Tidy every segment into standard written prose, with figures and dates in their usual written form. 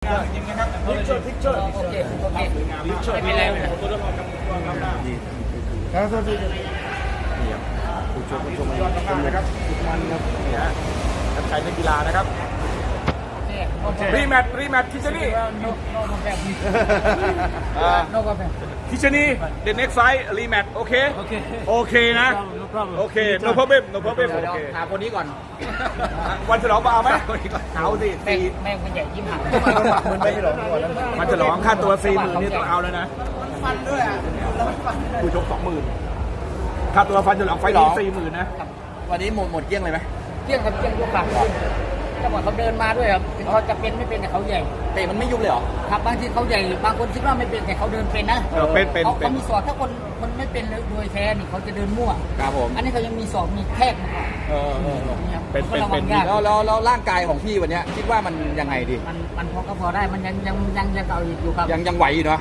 จริงนะครับทิกเชอร์โอเคทิกเชอร์ไม่เป็นไรไม่เป็นไรตัวละครครับครับสวัสดีนี่ครับผู้ชมยอดมากนะครับมันครับนี่ฮะนักชัยนักกีฬานะครับรีแมทคิชนี่คิชนี่ the next fight รีแมทโอเคนะโอเค no problem โอเคหาคนนี้ก่อนวันฉลองมาเอาไหมเอาสิแม่งเป็นใหญ่ยิ้มหักมันฉลองค่าตัว 40,000 นี่ต้องเอาแล้วนะฟันด้วยผู้ชก 20,000 ค่าตัวฟันฉลองไฟนี้ 40,000 นะวันนี้หมดเกลี้ยงเลยไหมเกลี้ยงครับเกลี้ยงยกหลังจังหวะเขาเดินมาด้วยครับถึงเขาจะเป็นไม่เป็นแต่เขาใหญ่เตะมันไม่ยุบเลยเหรอครับบางทีเขาใหญ่บางคนคิดว่าไม่เป็นแต่เขาเดินเป็นนะเขามีศอกถ้าคนไม่เป็นโดยแท้นี่เขาจะเดินมั่วครับผมอันนี้เขายังมีศอกมีแทกมาเป็นแล้วร่างกายของพี่วันนี้คิดว่ามันยังไงดีมันพอได้มันยังเก่าอยู่ครับยังไหวอยู่เนาะ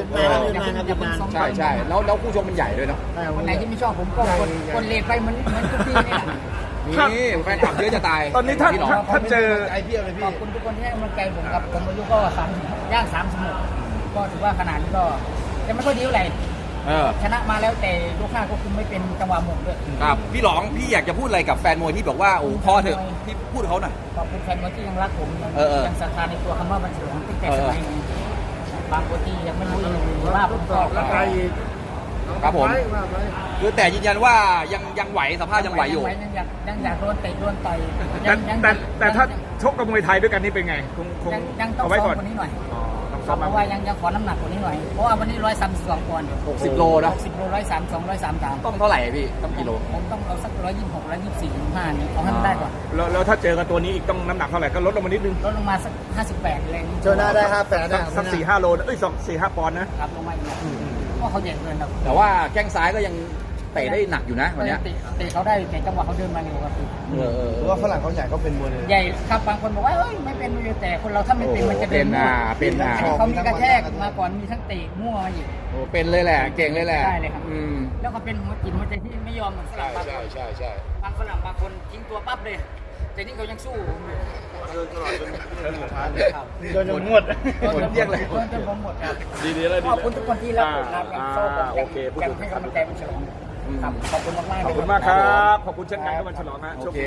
ใช่แล้วคู่ชกมันใหญ่ด้วยเนาะวันไหนที่ไม่ชอบผมก็คนเลทไปเหมือนทุกที่นี่แหละนี่แฟนคลับเยอะจะตายตอนนี้ถ้าเจอไอเพียเลยพี่ขอบคุณทุกคนที่ให้กำลังใจผมครับผมอายุก็ย่าง30ก็ถือว่าขนาดนี้ก็ยังไม่ค่อยดีเท่าไหร่ชนะมาแล้วแต่ยก5ก็คุมไม่เป็นจังหวะหมดด้วยครับพี่หลองพี่อยากจะพูดอะไรกับแฟนมวยที่บอกว่าโอ้พอเถอะพี่พูดเขาหน่อยขอบคุณแฟนมวยที่ยังรักผมยังศรัทธาในตัวคำว่าบัญชีของติ๊กแต่สมัยนี้บางคนที่ยังไม่รู้ว่าผมก็แล้วใครครับผมคือแต่ยืนยันว่ายังไหวสภาพยังไหวอยู่ยังอยากโดนเตะโดนต่อยแต่ถ้าชกกับมวยไทยด้วยกันนี่เป็นไงคงยังต้องซ้อมกว่านี้หน่อยเพราะว่ายังขอน้ำหนักกว่านี้หน่อยเพราะว่าวันนี้132ปอนด์ 60 โลนะ 60 โล132 133 ต้องเท่าไหร่พี่ต้องกิโลผมต้องเอาสัก126 124 125นี่เอาให้มันได้ก่อนแล้วถ้าเจอกับตัวนี้อีกต้องน้ำหนักเท่าไหร่ก็ลดลงมานิดนึงลดลงมาสัก58อะไรเจอหน้าได้58ได้สัก 4-5 โล4-5 ปอนด์นะครับลงมาอีกเพราะเขาใหญ่เกินครับแต่ว่าแข้งซ้ายก็ยังเตะได้หนักอยู่นะวันนี้เตะเขาได้แต่จังหวะเขาเดินมาเร็วครับเพราะว่าฝรั่งเขาใหญ่เขาเป็นมวยใหญ่ครับบางคนบอกว่าเฮ้ยไม่เป็นมวยแต่คนเราถ้าไม่เป็นมันจะเดินเป็นเขามีกระแทกมาก่อนมีทั้งเตะมั่วมาอีกโอ้เป็นเลยแหละเก่งเลยแหละใช่เลยครับแล้วก็เป็นหัวจิตหัวใจที่ไม่ยอมเหมือนฝรั่งบางคนบางฝรั่งบางคนทิ้งตัวปั๊บเลยแต่นี่เขายังสู้เดินตลอดจนเดินจนหมดเที่ยงเลยจนผมหมดครับดีแล้วขอบคุณทุกคนที่รักผมยังชอบผมยังให้กำลังใจมันฉลองขอบคุณมากขอบคุณมากครับขอบคุณเช่นกันที่วันฉลองนะ